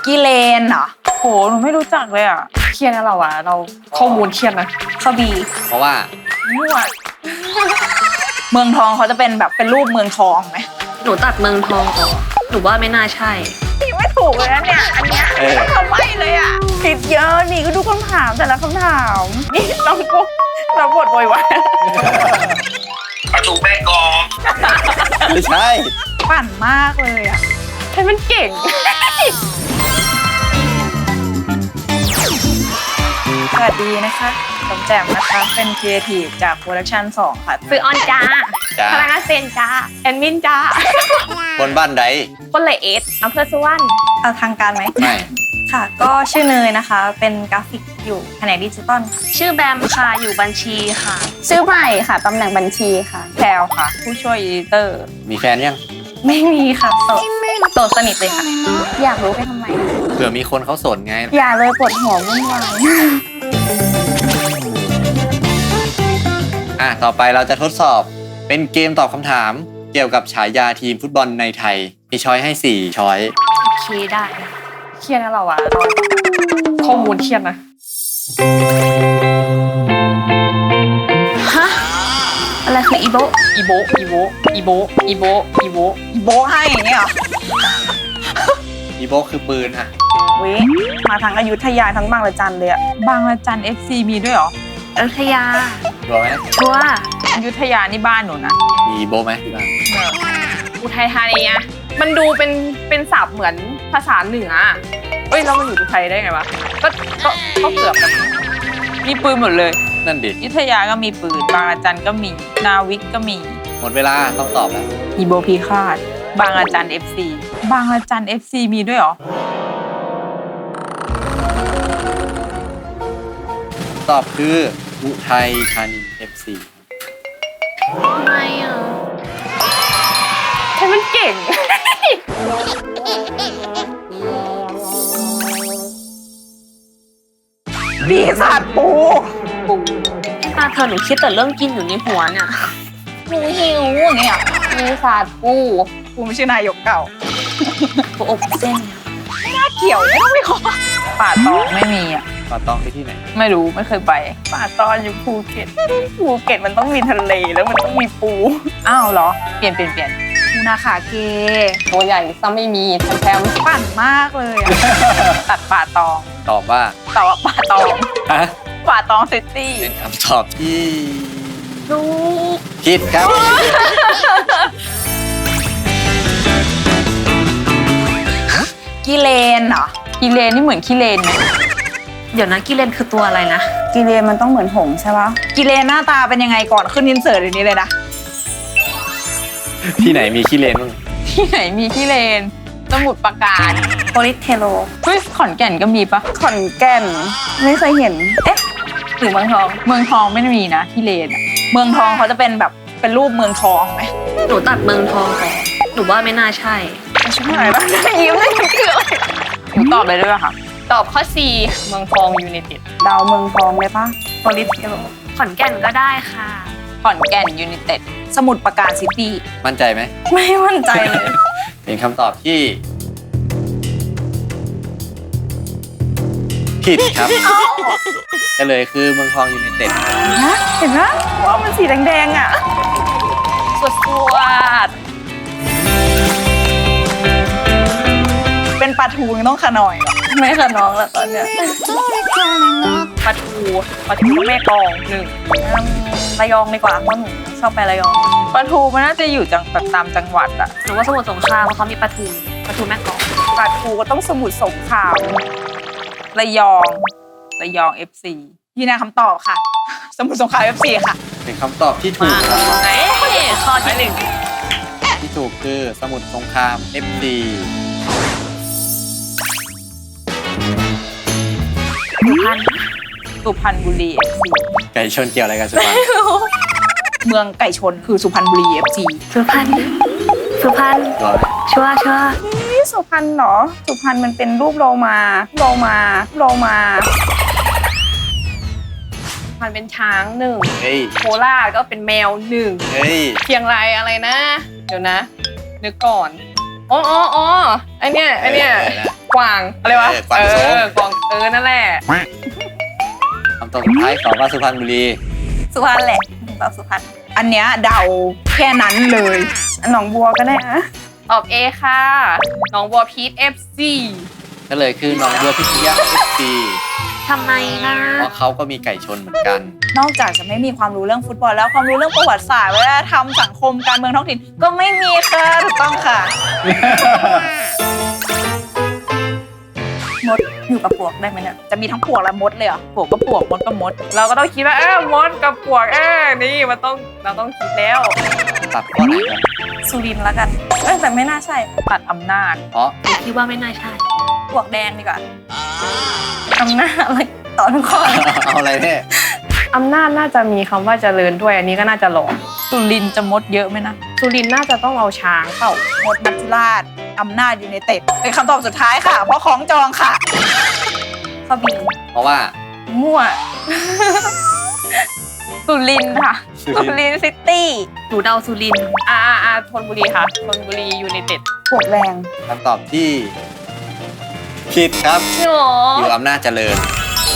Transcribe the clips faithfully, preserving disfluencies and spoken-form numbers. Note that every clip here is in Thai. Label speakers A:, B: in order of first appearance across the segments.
A: กิเลนเหรอโหหนูไม่รู้จักเลยอ่ะเครียดนะเราอ่ะเราข้อมูลเครียดนะข้อบี
B: เพราะว่า
A: มั่วเมืองทองเขาจะเป็นแบบเป็นรูปเมืองทองไหม
C: หนูตัดเมืองทองออกหนูว่าไม่น่าใช่
A: นี่ไม่ถูกเลยนะเนี่ยอันเนี้ยไม่ทำไมเลยอ่ะผิดเยอะนี่ก็ดูคำถามแต่ละคำถามนี่น้องกุ๊กเราบทโวยวาย
D: ประตูแม่กลอง
B: ไม่ใช่
A: ปั่นมากเลยอ่ะให้มันเก่งสวัสดีนะคะผมแจ่มนะคะเป็นครีเอทีฟจากโปรดักชั่นสองค่ะ
C: ซื้อออนจ้า
B: จ้า
C: พนักงานเซนจ้าแอดมินจ้า
B: คนบ้านใด
C: คนละเอสอำเภอสุวรรณ
A: เอาทางการไหม
B: ไม่
A: ค่ะ ก็ชื่อเนยนะคะ เป็นกราฟิกอยู่แผนกดิจิตอลค่ะ
C: ชื่อแบมค่ะอยู่บัญชีค่ะ
E: ชื่อใหม่ค่ะตำแหน่งบัญชีค่ะ
A: แพลวค่ะ ผู้ช่วยอีดิเตอร์
B: มีแฟนยัง
A: ไม่มีค่ะโสดโสดสนิทเลยค่ะ
E: อยากรู้ไปทำไม
B: เผื่อมีคนเขาสนไง
E: อย่าเลยปวดหัววุ่นวาย
B: อ่ะ ต่อไปเราจะทดสอบเป็นเกมตอบคำถามเกี่ยวกับฉายาทีมฟุตบอลในไทย มีช้อยให้สี่ช้อย
C: โอเคได้
A: เครียดนะเราอะข้อมูลเครียดนะ
C: ฮะ อะไรคืออีโบ
A: อีโบอีโบอีโบอีโบอีโบอีโบให้อย่างเงี้ยเหรอ
B: อีโบคือปืนอ่ะ
A: เว้ยมาทั้งอยุธยาทั้งบางระจันเลยอะบางระจัน เอฟ ซี มีด้วยเหรอ
C: อยุธยา
B: รู้ไหม
C: ชัวร์
A: อยุธยานี่บ้านหนูนะ
B: มีอีโบไหมที่บ้าน
F: อุทัยธานีอะมันดูเป็นเป็นศัพท์เหมือนภาษาเหนือเอ้ยแล้วมันอยู่อุทัยได้ไงวะก็ก็ก็เกือบกัน
A: มีปืนหมดเลย
B: นั่นดิ
A: อยุธยาก็มีปืน บางระจันก็มี นาวิกก็มี
B: หมดเวลาต้องตอบแล้ว
A: อีโบพีคาด บางระจัน เอฟ ซี บางระจัน เอฟ ซี มีด้วยเหรอ
B: ตอบคืออุทัยธานี เอฟ ซี
C: ทำไมอ่ะ
F: ให้มันเก่ง
A: ปีศาจปู
C: ตาเธอหนูคิดแต่เรื่องกินอยู่ในหัวเนี่ย
A: หนูหิวอย่างเงี้ย
E: ปีศาจปู
A: ปูไม่ใช่นายกเก่า
C: หัวอกเส้น
A: เกี่ยวไม่ต้องไปขอป่าตองไม่มีอ่ะ
B: ปาตองไปที่ไหน
A: ไม่รู้ไม่เคยไป ป่าตองอยู่ภูเก็ต ภูเก็ตมันต้องมีทะเลแล้วมันต้องมีปู อ้าวเหรอ เปลี่ยนเปลี่ยนเปลี่ยนปูนาขาเก
E: ตัวใหญ่ซะไม่มีแถม
A: ปั่นมากเลยอะตัดป่าตอง
B: ตอบว่า
A: แต่ว่าป่าตอง
B: ฮะ
A: ป่าตองซิตี้
B: เป็นคำตอบที่
C: ลูก
B: ผิดครับ
A: กิเลนเหรอกิเลนนี่เหมือนกิเลนไหม
C: เดี๋ยวนะกิเลนคือตัวอะไรนะ
E: กิเลนมันต้องเหมือนหงส์ใช่ปะ
A: กิเลนหน้าตาเป็นยังไงก่อนขึ้นอินเสิร์ตอย่างนี้เลยนะ
B: ที่ไหนมีขี้เลนบ้าง
A: ที่ไหนมีกิเลนสมุทรปราการ
C: โพลิเทโล
A: เฮ้ยขอนแก่นก็มีปะ
E: ขอนแก่นไม่เคยเห็น
A: เอ๊ะหรือเมืองทอง เมืองทองไม่ได้มีนะกิเลนอะเมืองทองเขาจะเป็นแบบเป็นรูปเมืองทองไหม
C: หนูตัดเมืองทองออกหนูว่าไม่น่าใช่
A: ไม่ใช่อะไรปะยิ้มเลยคืออะไรหนูตอบเลยได้ป่ะคะ
F: ตอบข้อ C เมืองทองยูไนเต็ด
E: ดาวเมืองทองเลยปะ
A: โพลิสเทโล
C: ขอนแก่นก็ได้ค่ะ
A: ขอนแก่นยูไนเต็ดสมุทรปราการซิตี้
B: มั่นใจไหม
A: ไม่มั่นใจเลย
B: เป็นคำตอบที่ ผิดครับก็เลยคือเมืองทองยูไนเต็ด
A: นะเห็นไหมว่ามันสีแดงๆอ่ะสวดสวดเป็นปลาทูยังต้องขนอยเหรอไม่ขนองแล้วตอนเนี้ย
F: ปลาทูปลาทูแม่กลองหนึ่ง
A: อืมระยองดีกว่าเพราะหนูชอบไประยองปลาทูมันน่าจะอยู่จังแบบตามจังหวัดอะ
C: หนูว่าสมุทรสงครามเพราะเขามีปลาทูปลาทูแม่กลอง
A: ปลาทูก็ต้องสมุทรสงครามระยองระยอง เอฟ ซี ยืนยันคำตอบค่ะ สมุทรสงคราม เอฟ ซี ค่ะ
B: เป็นคำตอบที่ถูกครับ
C: ไหนข้อที่หนึ่ง
B: ที่ถูกคือสมุทรสงคราม เอฟ ซี
C: สุพรรณ
A: สุพรรณบุรี เอฟ ซี
B: ไก่ชนเกี่ยวอะไรกันสุพรรณ
A: เมืองไก่ชนคือสุพรรณบุรี เอฟ ซี
C: สุพรรณสุพรรณ
B: ร้อย
C: ชัวร์ชัวร์
E: นี่สุพรรณเหรอ สุพรรณมันเป็นรูปโลมาโลมาโลมา
F: มันเป็นช้างหนึ่ง
B: เฮ้ย
F: โคราชก็เป็นแมวหนึ่ง
B: เฮ้ย
F: เชียงรายอะไรนะ เดี๋ยวนะ นึกก่อน อ๋ออ๋ออ๋อไอเนี้ยไอเนี้ย
B: เออ
F: กวางอะไรวะ
B: เออกวางโซ
F: เออกวางเออนั่นแหละ
B: คำตอบสุดท้ายตอบว่าสุพรรณบุรี
E: สุพรรณแหละตอบสุพรรณอันเนี้ยเดาแค่นั้นเลยหนองบัวก็ได้นะ
F: ตอบ A ค่ะน้องบัวพีท เอฟ ซี
B: ก็เลยคือหน้องบัวพิทยา เอฟ ซี
C: ทำไมนะ
B: เพราะเขาก็มีไก่ชนเหมือนกัน
E: นอกจากจะไม่มีความรู้เรื่องฟุตบอลแล้วความรู้เรื่องประวัติศาสตร์วัฒนธรรมสังคมการเมืองท้องถิ่นก็ไม่มีค่ะถูกต้องค่ะมดอยู่กับปวกได้ไหมเนี่ยจะมีทั้งปวกและมดเลยเหรอปวกก็ปวกมดก็มด
F: เราก็ต้องคิดว่าเออมดกับปวกเออนี่มันต้องเราต้องคิดแล้ว
B: ตัดข้อไหนครับ
E: สุรินทร์ละกันเอ้ยแต่ไม่น่าใช่
F: ตัดอำนาจ
B: เพราะ
C: หนูคิดว่าไม่น่าใช่
E: ปวกแดงดีกว่าอำนาจอะไรต่อทุกข้อเลย
B: เอาอะไรเนี่ย
F: อำนาจน่าจะมีคำว่าเจริญด้วยอันนี้ก็น่าจะหลอก
E: สุรินทร์จะมดเยอะไหมนะ
F: สุรินทร์น่าจะต้องเอาช้างเปล่า
E: มดมัจจุราชอำนาจอยู่ในเต็ดเป็นคำตอบสุดท้ายค่ะ เพราะของจองค่ะข้อบี
B: เพราะว่า
E: มั่ว สุรินทร์ค่ะ
B: สุรินทร์
E: สุรินทร์ซิตี้
C: หนูเดาสุรินทร์
F: อ่าอ่าอ่าธนบุรีค่ะธนบุรียูไนเต็ด
E: ปวกแดง
B: คำตอบที่ผิดครับ
C: หนู
B: อยู่อำนาจเจริญ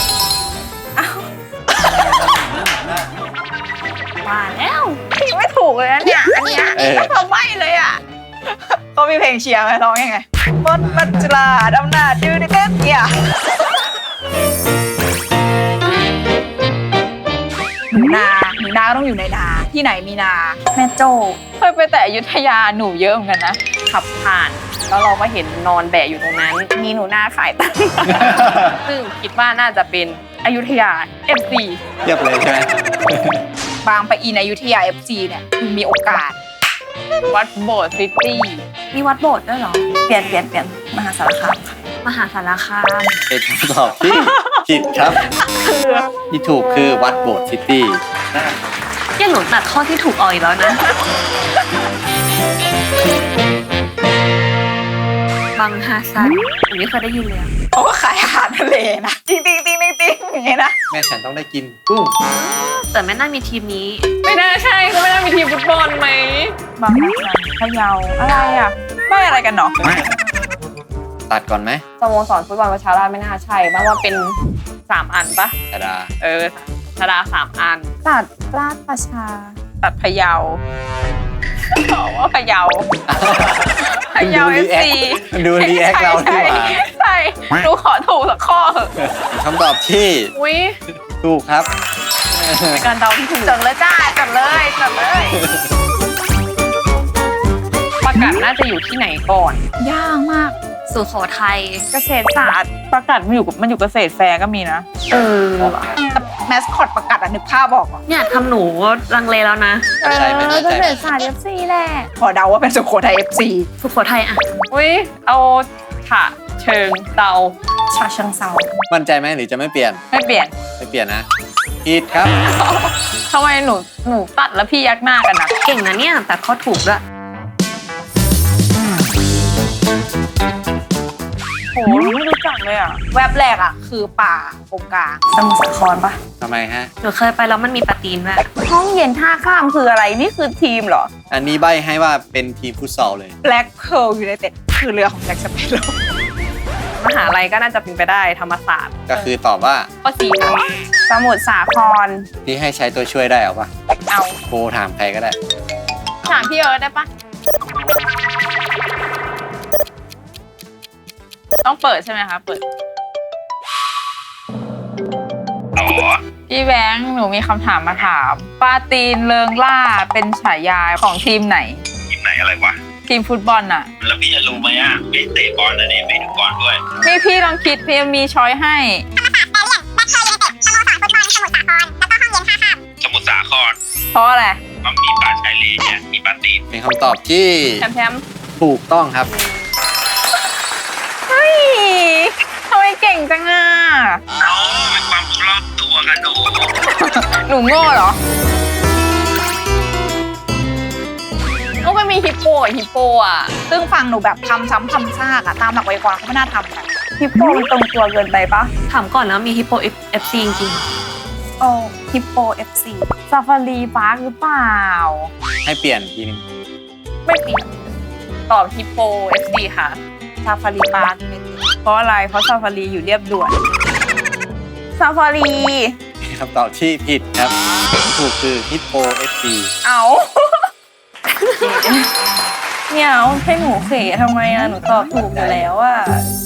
C: มาแล้ว
E: ไม่ถูกเลยนะเนี่ยอันเนี้ย
B: เออ
E: ก็ทำไม่เลยอ่ะเขามีเพลงเชียร์ไหมร้องยังไงมดมัจจุราชอำนาจอยู่ในเต็ดเนี่ยหนูนาหนูนาก็ต้องอยู่ในนาที่ไหนมีนาแม่โจ้เคยไปแต่อยุธยาหนูเยอะเหมือนกันนะ
F: ขับผ่าน แล้วเราก็เห็นนอนแบะอยู่ตรงนั้น
E: มีหนูนาขายตังค์
F: ซึ่งคิดว่าน่าจะเป็นอยุธยา เอฟ ซี
B: เทียบเลยใช่ไหม
E: บางปะอินอยุธยา เอฟ ซี เนี่ยคือมีโอกาส
F: วัดโบสถ์ซิตี้
C: มีวัดโบสถ์ด้วยเหรอ
E: เปลี่ยนเปลี่ยนเปลี่ยนมหาสารคามค่ะ
C: มหาสารคาม
B: เป็นคำตอบที่ผิดครับ ที่ถูกคือวัดโบสถ์ซิตี้
C: ยังหนูตัดข้อที่ถูกออกอีกแล้วนะ บางฮาซันหนูไม่เคยได้ยินเลยอะ
E: เขาก็ขายอาหารทะเลนะจริงจริงจริงจริงอย่างเงี้ยนะ
B: แม่ฉันต้องได้กินกุ้ง
C: แต่ไม่น่ามีทีมนี้
F: ไม่น่าใช่ก็ไม่น่ามีทีมฟุตบอลไหม
E: บางนาพะเยาอะไรอ่ะไม่อะไรกันเนาะ
B: ตัดก่อนไหม
F: สโมสรฟุตบอลประชาราษฎร์ไม่น่าใช่บ้างว่าเป็นสามอันปะ
B: ธดา
F: เออธดาสามอัน
E: ตัดราชประชาตัดพะเยาบอกว่าพะเยาพะเยา
B: ดู
E: เอ
B: รี
E: ฟ
B: แอค
E: ซี
B: ดูรีแอคเราดีกว่า
E: ใช่หนูขอถูกสักข้อเถอะ
B: เป็นคำตอบที่
F: อุ้ย
B: ถูกครับ
F: เป็นการเดาที่ถูก
E: จดเลยจ้าจดเลยจดเลย
F: ประกาศน่าจะอยู่ที่ไหนก่อน
E: ยากมาก
C: สุโขทัย
E: เกษตรศาสตร์ประกาศมันอยู่กับมันอยู่เกษตรแฟร์ก็มีนะ
C: เออ
E: แต่แมสคอตประกาศอะนึกภาพบอกอ่ะ
C: เนี่ยทำหนูลังเลแล้วนะ
B: ไม่ใช่ไม่
E: เอ
B: ใช่
E: อเกษตรศาสตร์เอฟซีแหละขอเดาว่าเป็นสุโขทัยเอฟซี
C: สุโขทัยอะ
F: อุ้ยเอาฉะเชิงเตา
E: ชาเชิงเซา
B: มั่นใจไหมหรือจะไม่เปลี่ยน
E: ไม่เปลี่ยน
B: ไม่เปลี่ยนนะผิดครับ
E: ทำไมหนูหนูตัดแล้วพี่ยักหน้ากันนะ
C: เก่งนะเนี่ยแต่ข้อถูกด้วย
E: โหหนูไม่รู้จักเลยอ่ะแวบแรกอ่ะคือป่าโกงกลางสมุทรสาครปะ
B: ทำไมฮะ
C: หนูเคยไปแล้วมันมีปลาตีนด้วย
E: ห้องเย็นท่าข้ามคืออะไรนี่คือทีมเหรอ
B: อันนี้ใบให้ว่าเป็นทีมฟุตซอลเลย
E: Black Pearl United คือเรือของแจ็คสเปโร่
F: มหาลัยก็น่าจะเป็นไปได้ธรรมศาสตร์
B: ก็คือตอบว่า
F: ข้อสี่ค่ะ
E: สมุทรสาคร
B: ที่ให้ใช้ตัวช่วยได้เอาปะ
E: เอา
B: โทรถามใครก็ได้
F: ถามพี่เอิร์ธได้ปะ
E: ต้องเปิดใช่ไหมคะเปิด
D: อ๋อ
E: พี่แบงค์หนูมีคำถามมาถามปาตีนเริงล่าเป็นฉายาของทีมไหน
D: ทีมไหนอะไรวะ
E: ทีมฟุตบอลน่ะ
D: แล้วพี่จะรู้ไหมอ่ะไม่เตะบอลนะเนี่ยไม่ดูบอลด้วย
E: พี่พี่ลองคิดพี่มีช้อยให้
D: สมุทรสาคร
E: เพราะอะไร
D: มันมีป่าชายเลนเนี่ยมีปลาตีน
B: เป็นคำตอบที่
F: แชมป์แชมป์
B: ถูกต้องครับ
E: เฮ้ยทำไมเก่งจังอ่ะ
D: เอาเป็นความรู้รอบตัวกันดู
E: หนูโง่เหรอ
F: ก็ไม่มีฮิปโปกับฮิปโปอ่ะ
E: ซึ่งฟังหนูแบบทำซ้ำทำซากอะตามหลักไวยากรณ์เขาไม่น่าทำกันฮิปโปมันตรงตัวเกินไปปะ
C: ถามก่อนแล้วมีฮิปโปเอฟซีจริง
E: โอ้ฮิปโปเอฟซีซาฟารีพาร์คหรือเปล่า
B: ให้เปลี่ยนทีนึง
F: ไม่เปลี่ยนตอบฮิปโป เอฟ ซี ค่ะ
E: ซาฟารีพาร์ค
B: ค
E: ราะอะไรเพราะซาฟารีอยู่เรียบด่วน
A: ซาฟารี
B: เป็นคำตอบที่ผิดครับถูกคือฮิปโปเอฟซี
A: เอา เนี่ยเอาให้หนูเขทำไมอะหนูตอบถูกอยู่แล้วอะ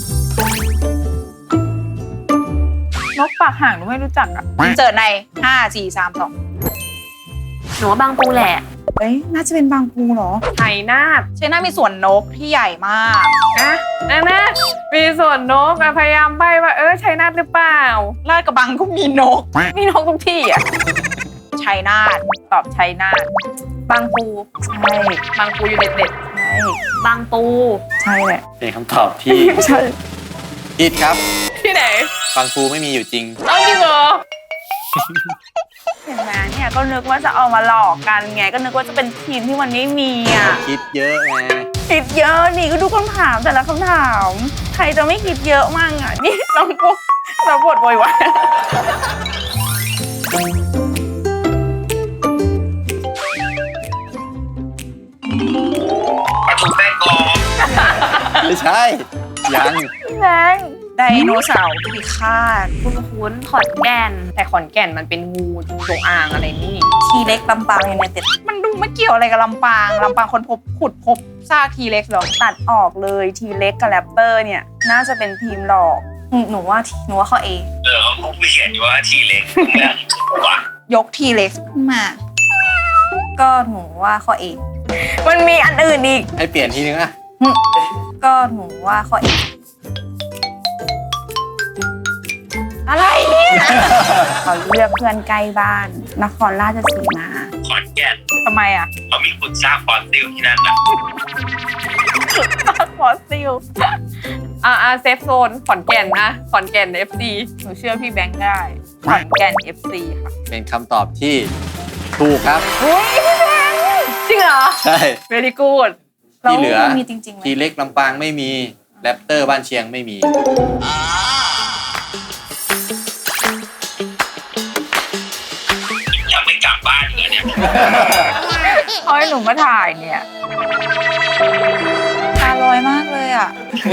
A: นกปากห่างหนูไม่รู้จักอะ
E: เจอในห้าสี่สามสอง
C: หนูว่าบางปูแหละ
A: เอ้ยน่าจะเป็นบางปูเหรอ
F: ไทยนาท
E: เชน่ามีสวนนกที่ใหญ่มาก
F: นะนะนะมีส่วนนกอะพยายามใบ้ว่าเออชัยนาทหรือเปล่า
E: ลาดกระบังก็มีนก
F: มีนกทุกที่อ่ะ
E: ชัยนาท
F: ตอบชัยนาทบางปู
A: ใช่
F: บางปูอยู่เด็ด
A: ใช่
C: บางปู
A: ใช่แหละ
B: เป็นคำตอบที่
A: ใช่
B: ผิดครับ
F: ๆที่ไหน
B: บางปูไม่มีอยู่จริง
F: เอาจริงเหรอ
A: เห็นไหมเนี่ยก็นึกว่าจะเอามาหลอกกันไงก็นึกว่าจะเป็นทีมที่มันไม่มีอ่ะ
B: คิดเยอะไง
A: คิดเยอะนี่ก็ดูคำถามแต่ละคำถาม ใครจะไม่คิดเยอะมั่งอ่ะนี่น้องกุ๊กเราบทโวยวาย
D: ปลาทูแป้งกรอบ
B: ไม่ใช่ ยัง
A: แรง
E: ไดโนเสาร์พิฆาต
C: คุณคุ้นขอนแก่น
F: แต่ขอนแก่นมันเป็นงูจงอางอะไรนี่
E: ทีเล็กลำปางยูไนเต็ดมันดูไม่เกี่ยวอะไรกับลำปางลำปางคนพบขุดพบซากทีเล็กหรอ
A: ตัดออกเลยทีเล็กกับแรปเตอร์เนี่ยน่าจะเป็นทีมหลอก
E: หนูว่าหนูว่าข้อ A
D: เออเขาไม่เขียนอยู่ว่าทีเล็กเนี่ยว่ะ
E: ยกทีเล็กขึ้นมา ก็หนูว่าข้อ A
A: มันมีอันอื่นอีก
B: ให้เปลี่ยนทีนึงอะ
E: ก็หนูว่าข้อ A อะไรเนี่ย
A: เขาเลือกเพื่อนใกล้บ้าน นครราชสีมา
D: ขอนแก่น
E: ทำไมอ่ะ
D: เขามีขุดซากฟอสซิลที่นั่นนะ
A: ฟอสซิล
F: อ่าอ่าเซฟโซนขอนแก่นนะขอนแก่น เอฟ ซี
E: หนูเชื่อพี่แบงค์ได้ขอนแก่น เอฟ ซี ค่ะ
B: เป็นคำตอบที่ถูกครับ
F: จริงเหรอ
B: ใช่
F: very good
B: ที่เหลือ
E: แล้วมีจริงๆไหม
B: ทีเล็กลำปางไม่มีแรปเตอร์บ้านเชียงไม่มี
D: ยังไม่กลับบ้านเลยเนี่ย
E: เขาให้หนูมาถ่ายเนี่ยตาลอยมากเลยอ่ะ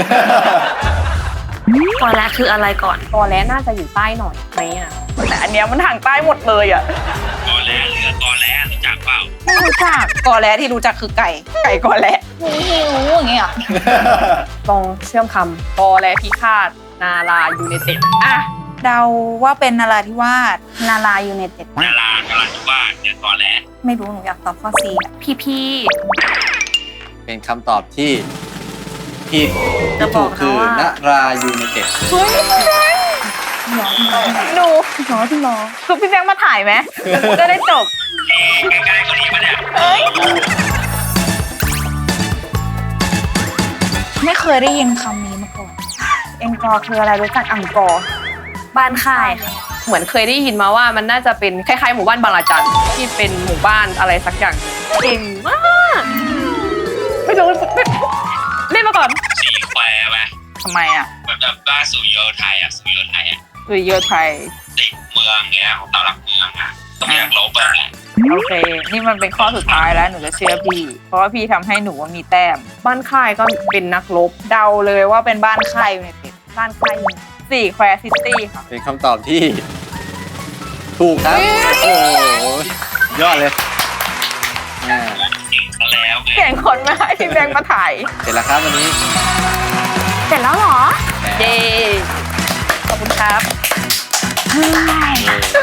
C: ก่อนแรกคืออะไรก่อน
F: ตอแล้น่าจะอยู่ใต้หน่อยไหมอ่ะ
A: แต่อันเนี้ยมันทางใต้หมดเลยอ่ะ
D: ตอนแรกเหลือตอนแรกรู้จักเปล่า
E: ไม่รู้จักกอแล้ที่รู้จักคือไก่ ไก่กอแล้หนูหิวอย่างเงี้ย
F: ลองเชื่อมคำตอแล้พิฆาตนารายูไนเต็ดอ่ะ
E: เดาว่าเป็นนราธิวาส
A: นารายูไนเต็ด
D: นารานาราธิวาสเนี่ยตอนแรก
E: ไม่รู้หนูอยากตอบข้อ C อะ
C: พี่พี่
B: เป็นคำตอบที่ผิด
C: จะ
B: ที่
C: บ
B: ถู
C: อก
B: ก
C: นะ
B: คือ
C: ว่า
B: นรายูไนเต็ด
A: ดูหรอที่หรอคือพี่แบงค์มาถ่ายไหมจะได้จบ
D: เอ๊ะใกล้ๆกว่านี้ปะเนี่ย
E: ไม่เคยได้ยินคำนี้มาก่อน
A: เอ็งกอร์คืออะไรรู้จักอังกอร์
C: บ้านค่ายค่ะ
F: เหมือนเคยได้ยินมาว่ามันน่าจะเป็นคล้ายๆหมู่บ้านบางระจันที่เป็นหมู่บ้านอะไรสักอย่างเก่งมากไม่รู้เล่นมาก่อน
D: สีแควร์ไหม
E: ทำไมอ่ะ
D: เหมือนแบบบ้านสุริโยไทยอ่ะสุริโยไทยอ่ะ
E: สุริโยไทย
D: ติดเมืองเงี้ยของเสาหลักเมืองอ่ะต้องอยากลบอ่ะ
E: โอเค นี่มันเป็นข้อสุดท้ายแล้วหนูจะเชื่อพี่ เพราะว่าพี่ทำให้หนูว่ามีแต้ม
F: บ้านค่ายก็เป็นนักรบ
E: เดาเลยว่าเป็นบ้านค่ายยูไนเต็ด
F: บ้านค่าย
E: สี่แควร์ซิตี้ค่ะ
B: เป็นคำตอบที่ ถูกครับ โอ้โหยอดเลยอ่า
D: เก่งซะแล้วไง
A: เก่งคนมาให้พี่แบงค์มาถ่าย
B: เสร็จแล้วครับวันนี้
C: เสร็จแล้วเหรอ
F: เย้ขอบคุณครับ
B: เย้